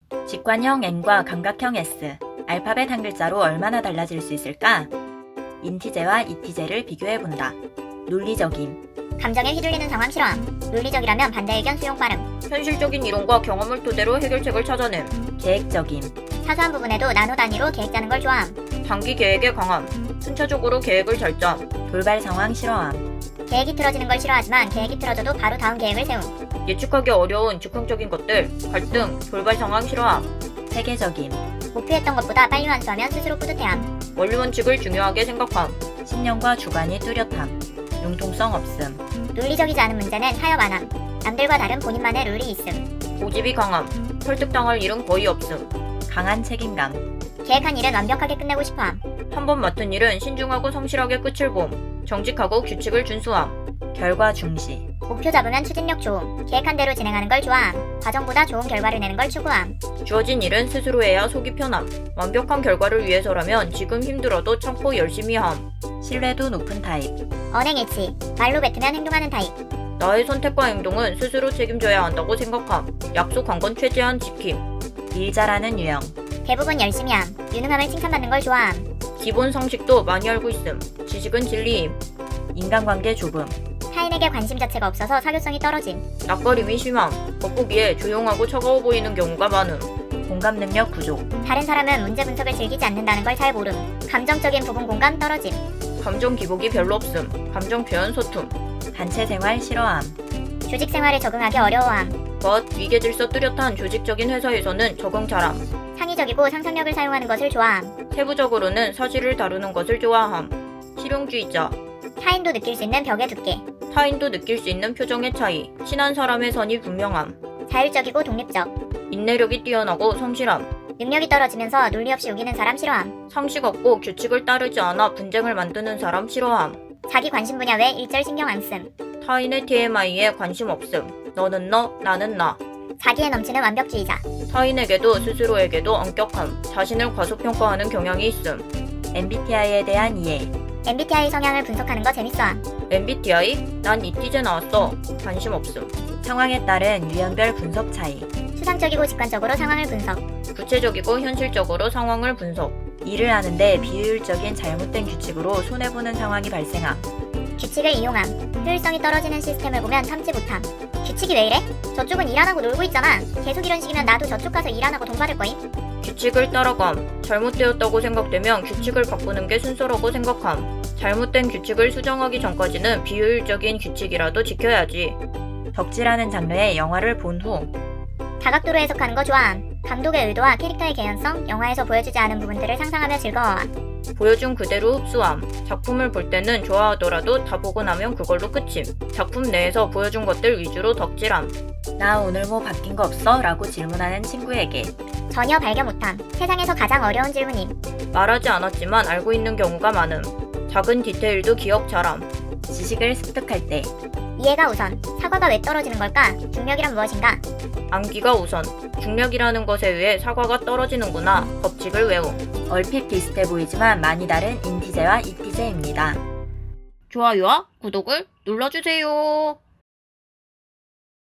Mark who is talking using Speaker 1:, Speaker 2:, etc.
Speaker 1: 직관형 n과 감각형 s, 알파벳 한 글자로 얼마나 달라질 수 있을까? 인티제와 이티제를 비교해본다. 논리적임.
Speaker 2: 감정에 휘둘리는 상황 싫어함. 논리적이라면 반대 의견 수용 빠름.
Speaker 3: 현실적인 이론과 경험을 토대로 해결책을 찾아냄.
Speaker 1: 계획적임.
Speaker 2: 사소한 부분에도 나노 단위로 계획 짜는 걸 좋아함.
Speaker 3: 단기 계획에 강함. 순차적으로 계획을 잘 짬.
Speaker 1: 돌발 상황 싫어함.
Speaker 2: 계획이 틀어지는 걸 싫어하지만 계획이 틀어져도 바로 다음 계획을 세움.
Speaker 3: 예측하기 어려운 즉흥적인 것들, 갈등, 돌발 상황 싫어함.
Speaker 1: 세계적임.
Speaker 2: 목표했던 것보다 빨리 완수하면 스스로 뿌듯해함.
Speaker 3: 원리 원칙을 중요하게 생각함.
Speaker 1: 신념과 주관이 뚜렷함. 융통성 없음.
Speaker 2: 논리적이지 않은 문제는 타협 안함. 남들과 다른 본인만의 룰이 있음.
Speaker 3: 고집이 강함. 설득당할 일은 거의 없음.
Speaker 1: 강한 책임감.
Speaker 2: 계획한 일은 완벽하게 끝내고 싶어함.
Speaker 3: 한 번 맡은 일은 신중하고 성실하게 끝을 봄. 정직하고 규칙을 준수함.
Speaker 1: 결과 중시.
Speaker 2: 목표 잡으면 추진력 좋음. 계획한 대로 진행하는 걸 좋아함. 과정보다 좋은 결과를 내는 걸 추구함.
Speaker 3: 주어진 일은 스스로 해야 속이 편함. 완벽한 결과를 위해서라면 지금 힘들어도 참고 열심히 함.
Speaker 1: 신뢰도 높은 타입.
Speaker 2: 언행일치. 말로 뱉으면 행동하는 타입.
Speaker 3: 나의 선택과 행동은 스스로 책임져야 한다고 생각함. 약속한 건 최대한 지킴.
Speaker 1: 일 잘하는 유형.
Speaker 2: 대부분 열심히 함. 유능함을 칭찬받는 걸 좋아함.
Speaker 3: 기본 상식도 많이 알고 있음. 지식은 진리임.
Speaker 1: 인간관계 좁음.
Speaker 2: 타인에게 관심 자체가 없어서 사교성이 떨어짐.
Speaker 3: 낯가림이 심함. 겉보기에 조용하고 차가워 보이는 경우가 많음.
Speaker 1: 공감 능력 부족.
Speaker 2: 다른 사람은 문제 분석을 즐기지 않는다는 걸 잘 모름. 감정적인 부분 공감 떨어짐.
Speaker 3: 감정 기복이 별로 없음. 감정 표현 소툼.
Speaker 1: 단체 생활 싫어함.
Speaker 2: 조직 생활에 적응하기 어려워함.
Speaker 3: 위계 질서 뚜렷한 조직적인 회사에서는 적응 잘함.
Speaker 2: 창의적이고 상상력을 사용하는 것을 좋아함.
Speaker 3: 세부적으로는 사실을 다루는 것을 좋아함. 실용주의자.
Speaker 2: 타인도 느낄 수 있는 벽의 두께.
Speaker 3: 타인도 느낄 수 있는 표정의 차이. 친한 사람의 선이 분명함.
Speaker 2: 자율적이고 독립적.
Speaker 3: 인내력이 뛰어나고 성실함.
Speaker 2: 능력이 떨어지면서 논리 없이 우기는 사람 싫어함.
Speaker 3: 상식 없고 규칙을 따르지 않아 분쟁을 만드는 사람 싫어함.
Speaker 2: 자기 관심 분야 외 일절 신경 안 씀.
Speaker 3: 타인의 TMI에 관심 없음. 너는 너, 나는 나.
Speaker 2: 자기에 넘치는 완벽주의자.
Speaker 3: 타인에게도 스스로에게도 엄격함. 자신을 과소평가하는 경향이 있음.
Speaker 1: MBTI에 대한 이해.
Speaker 2: MBTI 성향을 분석하는 거 재밌어함.
Speaker 3: MBTI? 난 이티제 나왔어. 관심 없음.
Speaker 1: 상황에 따른 유형별 분석 차이.
Speaker 2: 추상적이고 직관적으로 상황을 분석.
Speaker 3: 구체적이고 현실적으로 상황을 분석.
Speaker 1: 일을 하는데 비효율적인 잘못된 규칙으로 손해보는 상황이 발생함.
Speaker 2: 규칙을 이용함. 효율성이 떨어지는 시스템을 보면 참지 못함. 규칙이 왜 이래? 저쪽은 일 안 하고 놀고 있잖아. 계속 이런 식이면 나도 저쪽 가서 일 안 하고 돈 받을 거임.
Speaker 3: 규칙을 따라감. 잘못되었다고 생각되면 규칙을 바꾸는 게 순서라고 생각함. 잘못된 규칙을 수정하기 전까지는 비효율적인 규칙이라도 지켜야지.
Speaker 1: 덕질하는 장르의 영화를 본 후.
Speaker 2: 다각도로 해석하는 거 좋아함. 감독의 의도와 캐릭터의 개연성, 영화에서 보여주지 않은 부분들을 상상하며 즐거워함.
Speaker 3: 보여준 그대로 흡수함. 작품을 볼 때는 좋아하더라도 다 보고 나면 그걸로 끝임. 작품 내에서 보여준 것들 위주로 덕질함.
Speaker 1: 나 오늘 뭐 바뀐 거 없어? 라고 질문하는 친구에게.
Speaker 2: 전혀 발견 못함. 세상에서 가장 어려운 질문임.
Speaker 3: 말하지 않았지만 알고 있는 경우가 많음. 작은 디테일도 기억 잘함.
Speaker 1: 지식을 습득할 때.
Speaker 2: 이해가 우선. 사과가 왜 떨어지는 걸까? 중력이란 무엇인가?
Speaker 3: 암기가 우선. 중력이라는 것에 의해 사과가 떨어지는구나. 법칙을 외움.
Speaker 1: 얼핏 비슷해 보이지만 많이 다른 인티제와 이티제입니다.
Speaker 3: 좋아요와 구독을 눌러주세요.